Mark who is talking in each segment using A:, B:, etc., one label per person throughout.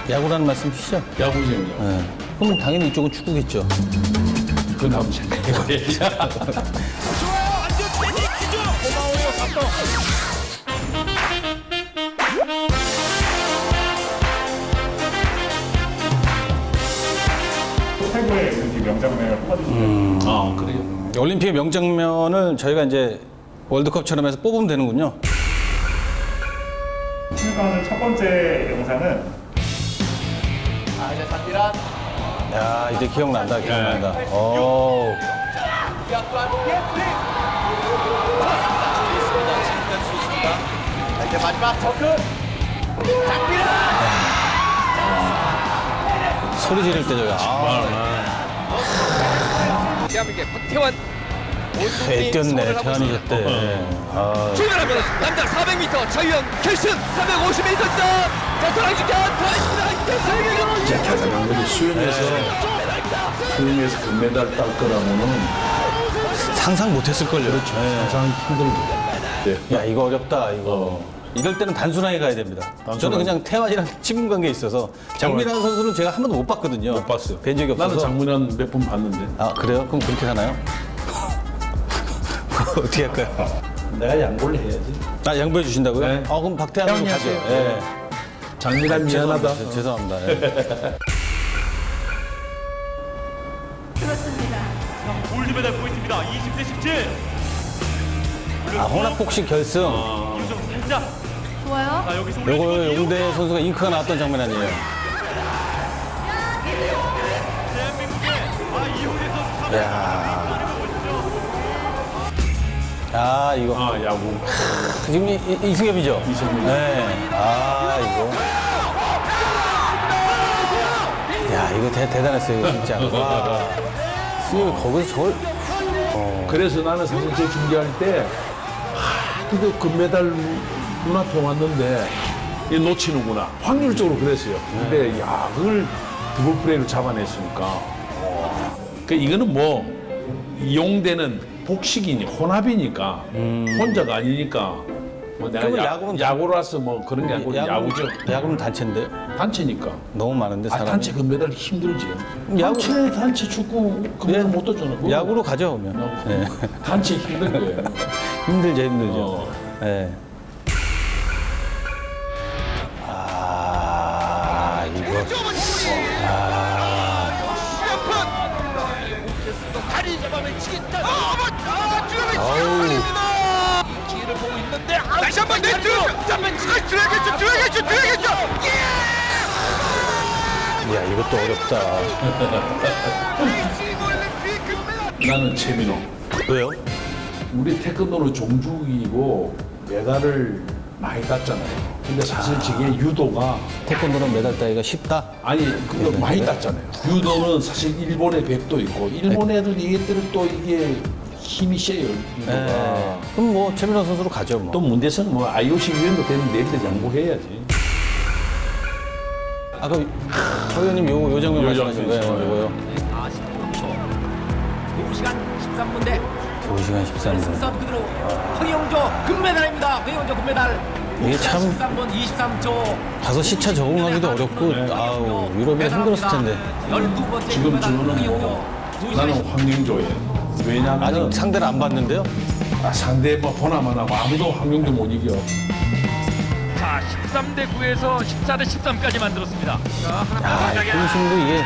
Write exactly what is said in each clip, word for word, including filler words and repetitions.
A: 야구라는 말씀이시죠?
B: 야구쟁이요.
A: 네. 그럼 당연히 이쪽은 축구겠죠.
B: 그 다음 생각해봐야지.
C: 좋아요. 완전 패닉이죠. 고마워요. 감독.
D: 최고의 올림픽 명장면을 뽑아주시면
B: 아, 그래요?
A: 올림픽 명장면을 저희가 이제 월드컵처럼 해서 뽑으면 되는군요.
D: 신입가는 첫 번째 영상은
C: 아, 이제 산디란.
A: 야, 이제 기억난다, 기억난다. 오.
C: 약간 예프리. 좋습니다. 지금까지 좋습니다. 자, 이제 마지막 접근. 장비란.
A: 소리 지를 때 저기. 아,
C: 대한민국의 박태환.
A: 애 뛰었네, 태환이 저때. 아,
C: 출발하면 남자 사백 미터 자유형 결승 삼백오십 미터입니다. 자, 도랑직전 도랑직전
B: 진짜 대단한 거지. 수영에서, 수영에서 금메달 딸 거라고는
A: 상상 못했을걸요. 그렇죠.
B: 항상 힘들죠. 네.
A: 야, 이거 어렵다, 이거. 이럴 때는 단순하게 가야 됩니다. 저는
B: 단순하게.
A: 그냥 태환이랑 친분 관계에 있어서 장민환 선수는 제가 한 번도 못 봤거든요.
B: 못 봤어요.
A: 뵌 적이 없어서.
B: 나는 장문환 몇 번 봤는데.
A: 아, 그래요? 그럼 그렇게 하나요? 어떻게 할까요?
B: 내가 양보를 해야지.
A: 아, 양보해 주신다고요?
B: 네.
A: 아, 그럼 박태환으로
B: 태환이
A: 가죠.
B: 하세요.
A: 예.
B: 장민환 미안하다.
A: 죄송합니다. 죄송합니다. 예.
E: 골드메달 포인트입니다. 이십 대 십칠.
A: 아, 혼합복식 결승.
E: 유정 살짝.
F: 좋아요.
E: 자, 여기서
A: 요거
E: 올려주고
A: 용대 선수가 잉크가 나왔던 장면 아니에요?
E: 대한민국의 아, 이호대 선수.
A: 야. 아, 이거.
B: 아, 야구.
A: 지금 이, 이, 이승엽이죠?
B: 이승엽.
A: 네. 아, 이거. 야, 이거 대, 대단했어요, 이거 진짜. 와. 승엽이 거기서 저걸.
B: 그래서 나는 사실 제 중계할 때 하도 금메달 눈앞에 왔는데 이 놓치는구나. 확률적으로 그랬어요. 근데 야, 그걸 드블 플레이를 잡아냈으니까. 와. 그 이거는 뭐 용대는 복식이니 혼합이니까 혼자가 아니니까 뭐 내가
A: 그러면
B: 야,
A: 야구는
B: 야구라서 뭐 그런 게 아니고 야구죠.
A: 야구는 단체인데?
B: 단체니까.
A: 너무 많은데,
B: 아,
A: 사람이.
B: 단체 금메달 힘들지.
A: 야구-
B: 단체 단체 축구 금메달 못 떴잖아. 그거.
A: 야구로 가죠, 그러면. 네.
B: 단체 힘든 거예요.
A: 힘들죠, 힘들죠.
B: 어.
A: 네. 아, 이거. 아,
C: 다리 잡아매치겠다. 아,
A: 아우.
C: 기회를 보고 있는데 다시 한번 내주. 잡면 지금 들어야겠죠. 들어야겠죠. 들어야겠죠.
A: 야, 이것도 어렵다.
B: 나는 최민호.
A: 왜요?
B: 우리 태권도는 종주이고 메달을 많이 땄잖아요. 근데 사실 저게 유도가
A: 태권도는 메달 따기가 쉽다?
B: 아니 그거
A: 네,
B: 많이
A: 네.
B: 땄잖아요. 유도는 사실 일본의 백도 있고 일본 애들 얘들은 또 이게 힘이 세요. 유도가.
A: 네. 그럼 뭐, 최민호 선수로 가죠, 뭐.
B: 또 문제는 뭐 아이오씨 위원도 되는 내일도 양보해야지.
A: 아까 서 의원님 요, 요 장면
B: 요
A: 말씀하신 거예요,
B: 장면
A: 이거요.
G: 두 시간 십삼 분대
A: 두 시간 십삼 분.
G: 승선 그대로 황영조 금메달입니다. 황영조 금메달.
A: 이게 참
G: 십삼 분 이십삼 초.
A: 가서 시차 적응하기도 어렵고, 아우, 유럽이 힘들었을 텐데.
G: 열두 번째
B: 지금
G: 금메달
B: 저는
G: 황영조.
B: 뭐
G: 두 시간
B: 나는 황영조예요. 왜냐하면
A: 아직 상대를 안 봤는데요?
B: 아, 상대 뭐 보나만 하고 아무도 황영조 못 이겨.
E: 자, 십삼 대 구에서 십사 대 십삼까지 만들었습니다.
A: 야, 이 분심도 이게.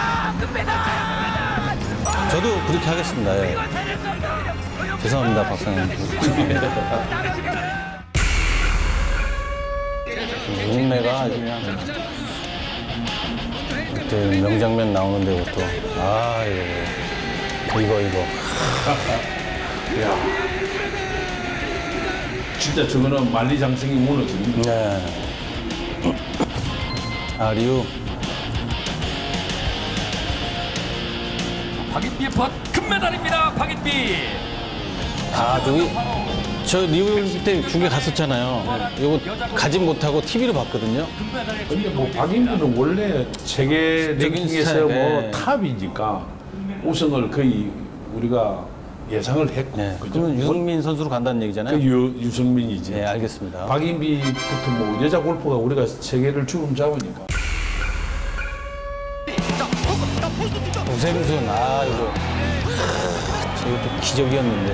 A: 저도 그렇게 하겠습니다. 예. 죄송합니다, 박사님. 눈매가 아주 그냥. 그때 명장면 나오는데, 그것도. 아, 이거. 이거, 이거.
B: 야, 진짜 저거는 만리장성이 무너지는 거.
A: 네. 아, 리우.
E: 박인비의 벗 금메달입니다. 박인비.
A: 아, 저기, 저 리우 때 중계 갔었잖아요. 이거 가진 못하고 티비로 봤거든요.
B: 근데 뭐 박인비는 원래 세계
A: 적인
B: 랭킹에서
A: 스타일,
B: 뭐
A: 네.
B: 탑이니까 우승을 거의 우리가 예상을 했고.
A: 네.
B: 그죠?
A: 그러면 유승민 선수로 간다는 얘기잖아요.
B: 그 유, 유승민이지.
A: 네, 알겠습니다.
B: 박인비부터 뭐 여자 골프가 우리가 세계를 주름 잡으니까.
A: 우생순, 아, 이거. 이것도 기적이었는데.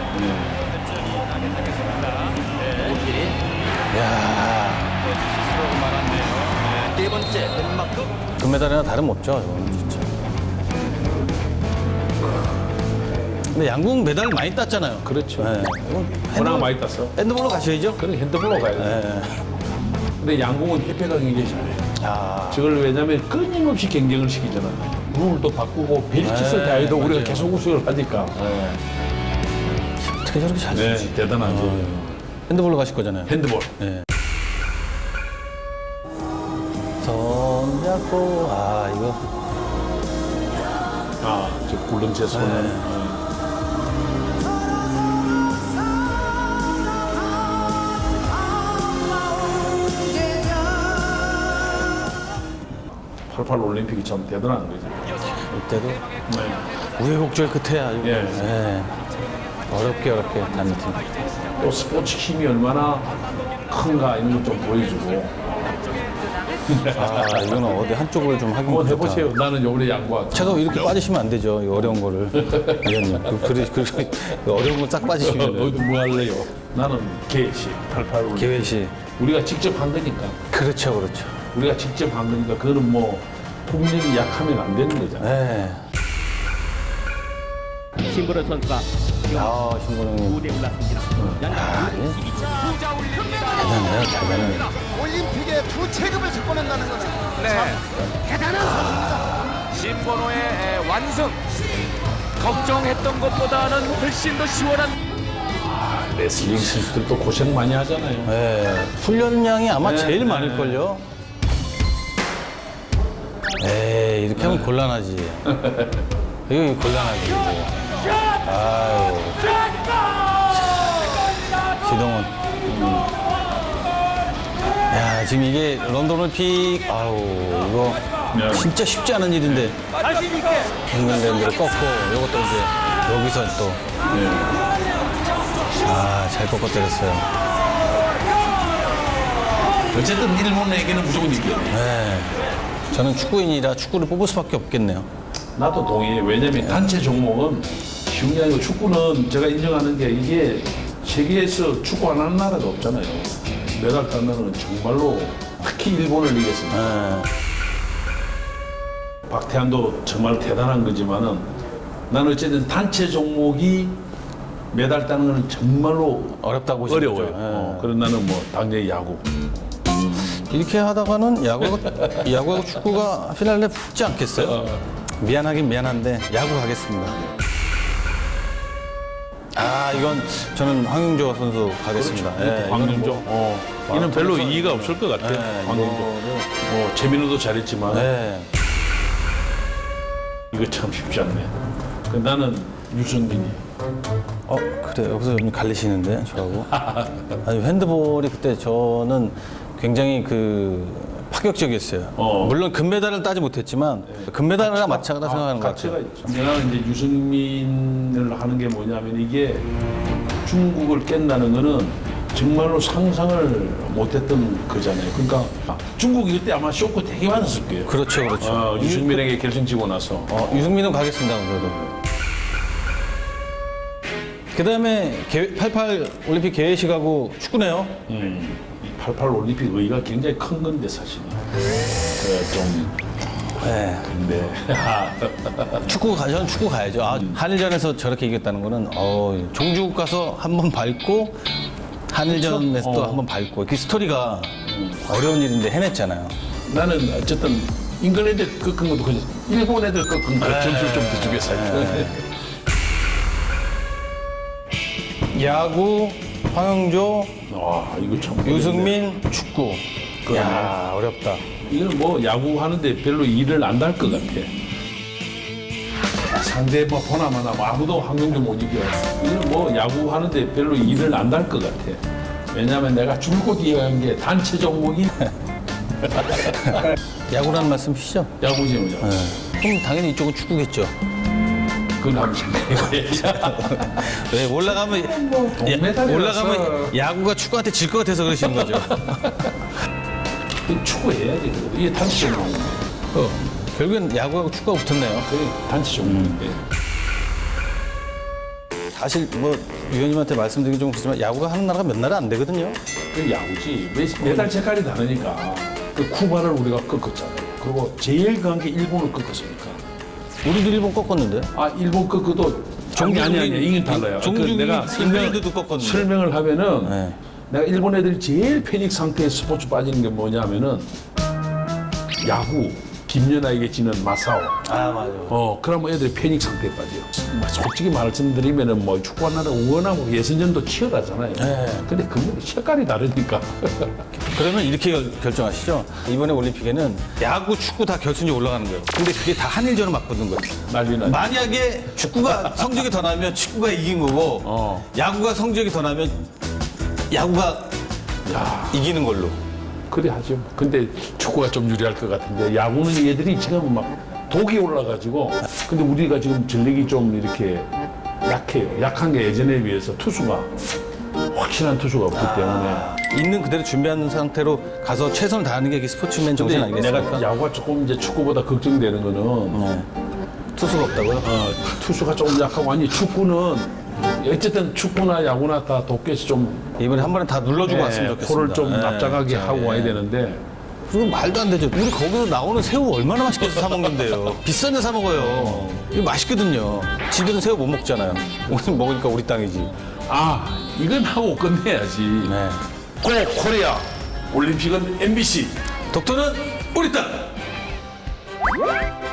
A: 야
G: 네 번째 덴마크.
A: 금메달이나 다름없죠, 이거는 진짜. 근데 양궁 메달 많이 땄잖아요.
B: 그렇죠.
A: 네. 이건
B: 워낙
A: 핸드볼-
B: 많이 땄어.
A: 핸드볼로 가셔야죠.
B: 그래 핸드볼로 가야 돼.
A: 네.
B: 근데 양궁은 협회가 굉장히 잘해.
A: 아,
B: 저걸 왜냐면 끊임없이 경쟁을 시키잖아. 룰도 바꾸고 벨치스
A: 네,
B: 대회도 우리가
A: 맞아요.
B: 계속 우승을 하니까.
A: 어떻게 저렇게 잘
B: 네,
A: 쏘지?
B: 대단하죠.
A: 핸드볼로 가실 거잖아요.
B: 핸드볼.
A: 네. 손잡고, 아, 이거.
B: 아, 저 굴렁쇠 손.
A: 네.
B: 팔십팔 올림픽이 참 대단한 거죠.
A: 이때도
B: 네.
A: 우여곡절 끝에 아주.
B: 예.
A: 네. 어렵게 어렵게 다른 팀.
B: 또 스포츠 힘이 얼마나 큰가 이런 것 좀 보여주고.
A: 아, 이거는 어디 한쪽을 좀 하긴
B: 한번
A: 그렇다.
B: 해보세요. 나는 요번에 양보할게.
A: 제가 이렇게 빠지시면 안 되죠. 이 어려운 거를. 위원님. 그, 그, 그, 그 어려운 걸 싹 빠지시면.
B: 어디 뭐 할래요? 나는 개시, 팔십팔 올림픽.
A: 계획시.
B: 우리가 직접 한 거니까.
A: 그렇죠, 그렇죠.
B: 우리가 직접 한 거니까 그거는 뭐 국력이 약하면 안 되는 거잖아.
A: 네.
G: 신보라 선수가
A: 아, 신보영님.
G: 무대에 올랐습니다.
A: 아, 예. 대단해요, 대단해요.
C: 올림픽에 두 체급을 석권한다는 것은 참 대단한 선수입니다.
E: 신번호의 에, 완승. 걱정했던 것보다는 훨씬 더 시원한.
B: 레슬링 선수들도 고생 많이 하잖아요.
A: 네. 훈련량이 아마
B: 네,
A: 제일
B: 네.
A: 많을걸요. 에이, 이렇게 하면 곤란하지. 이거 곤란하지. 이거. 아유. 기동원. 야, 지금 이게 런던 올림픽, 아우, 이거
B: 네.
A: 진짜 쉽지 않은 일인데. 잉글랜드를 꺾고, 이것도 이제 여기서 또.
B: 네.
A: 아, 잘 꺾어 때렸어요.
B: 어쨌든 일본에게는 무조건 이겨요.
A: 네. 저는 축구인이라 축구를 뽑을 수밖에 없겠네요.
B: 나도 동의해. 왜냐면 단체 종목은 쉬운 게 아니고 축구는 제가 인정하는 게 이게 세계에서 축구 안 하는 나라가 없잖아요. 메달 딴 나라는 정말로 특히 일본을 이겼습니다.
A: 네.
B: 박태환도 정말 대단한 거지만은 나는 어쨌든 단체 종목이 메달 따는 거는 정말로
A: 어렵다고 보시죠.
B: 어려워요. 어, 그래서 나는 뭐 당연히 야구.
A: 이렇게 하다가는 야구하고, 야구하고 축구가 피날레 붙지 않겠어요? 미안하긴 미안한데 야구 가겠습니다. 아, 이건 저는 황윤조 선수 가겠습니다. 예, 이거는
B: 황윤조.
A: 뭐,
B: 어, 이는 별로 이의가 없을 것 같아요.
A: 네,
B: 황윤조.
A: 이거를-
B: 뭐 재민우도 잘했지만
A: 네.
B: 이거 참 쉽지 않네. 그 나는 유승민이.
A: 어, 그래. 여기서 좀 갈리시는데, 저하고. 아니, 핸드볼이 그때 저는 굉장히 그 파격적이었어요.
B: 어.
A: 물론 금메달을 따지 못했지만 금메달이랑 마찬가지다 생각하는 것
B: 가치가
A: 같아요.
B: 있죠. 나는 이제 유승민을 하는 게 뭐냐면 이게 중국을 깬다는 거는 정말로 상상을 못했던 거잖아요. 그러니까 중국이 그때 아마 쇼크 되게 받았을 거예요.
A: 그렇죠, 그렇죠.
B: 어, 유승민에게 결승지고 나서.
A: 어, 유승민은 가겠습니다, 그래도. 그 다음에 팔십팔 올림픽 개회식하고 축구네요.
B: 음, 이 팔십팔 올림픽 의의가 굉장히 큰 건데 사실은. 그 좀
A: 네.
B: 근데
A: 축구 가, 저는 축구 가야죠. 아, 한일전에서 저렇게 이겼다는 거는, 어, 종주국 가서 한 번 밟고, 한일전에서 또
B: 어.
A: 한 번 밟고, 그 스토리가 어려운 일인데 해냈잖아요.
B: 나는 어쨌든 잉글랜드 꺾은 것도 그냥 일본 애들 꺾은 거 점수를 좀 더 주겠어요.
A: 야구, 황영조,
B: 와 이거 참
A: 유승민, 축구. 야, 어렵다.
B: 이건 뭐 야구 하는데 별로 일을 안 달 것 같아. 상대 뭐 보나마나 뭐 아무도 황영조 못 이겨. 이건 뭐 야구 하는데 별로 일을 안 달 것 같아. 왜냐면 내가 줄곧 이해한 게 단체 종목이
A: 야구라는 말씀이시죠?
B: 야구지 뭐냐.
A: 그럼 당연히 이쪽은 축구겠죠.
B: 그건 한번 생각해봐야지.
A: 왜 올라가면 야,
B: 동메달이라서.
A: 올라가면 야구가 축구한테 질 것 같아서 그러시는 거죠.
B: 축구해야지. 그래도. 이게 단체 종목인데.
A: 어, 결국엔 야구하고 축구가 붙었네요.
B: 그게 단체 종목인데.
A: 사실 뭐 위원님한테 말씀드리기 좀 그렇지만 야구가 하는 나라가 몇 나라 안 되거든요.
B: 그 야구지. 매- 메달 색깔이 다르니까. 그 쿠바를 우리가 꺾었잖아요. 그리고 제일 강한 게 일본을 꺾었으니까.
A: 우리도 일본 꺾었는데.
B: 아, 일본 꺾어도 종이 아니 아니 이게 달라요. 그
A: 종중이
B: 내가 설명,
A: 잉글랜드도 꺾었는데.
B: 설명을 하면은
A: 네.
B: 내가 일본 애들이 제일 패닉 상태에 스포츠 빠지는 게 뭐냐면은 야구 김연아에게 지는 마사오.
A: 아 맞아.
B: 어, 그러면 애들이 패닉 상태에 빠져요. 뭐 솔직히 말씀드리면은 뭐 축구하는 워낙 뭐 예선전도 치열하잖아요.
A: 네.
B: 근데 그 색깔이 다르니까.
A: 그러면 이렇게 결- 결정하시죠. 이번에 올림픽에는 야구, 축구 다 결승에 올라가는 거예요. 근데 그게 다 한일전을 맞붙는 거예요.
B: 난리 나죠.
A: 만약에 축구가 성적이 더 나면 축구가 이긴 거고
B: 어.
A: 야구가 성적이 더 나면 야구가 이기는 걸로.
B: 그래 하죠. 근데 축구가 좀 유리할 것 같은데 야구는 얘들이 지금 막 독이 올라가지고 근데 우리가 지금 전력이 좀 이렇게 약해요. 약한 게 예전에 비해서 투수가 확실한 투수가 없기 때문에.
A: 있는 그대로 준비하는 상태로 가서 최선을 다하는 게 스포츠맨 정신
B: 근데
A: 아니겠습니까?
B: 내가 야구가 조금 이제 축구보다 걱정되는 거는
A: 네. 투수가 없다고요?
B: 어, 투수가 조금 약하고 아니 축구는 어쨌든 축구나 야구나 다 도쿄에서 좀
A: 이번에 한 번에 다 눌러주고 왔으면
B: 네,
A: 좋겠습니다.
B: 코를 좀
A: 네.
B: 납작하게
A: 자,
B: 하고
A: 예.
B: 와야 되는데
A: 그리고 말도 안 되죠. 우리 거기서 나오는 새우 얼마나 맛있게 사 먹는데요. 비싼 데 사 먹어요. 이거 맛있거든요. 지들은 새우 못 먹잖아요. 우리 먹으니까 우리 땅이지.
B: 아 이건 하고 끝내야지.
A: 네.
B: 고 코리아 올림픽은 엠비씨.
A: 독도는 우리 땅!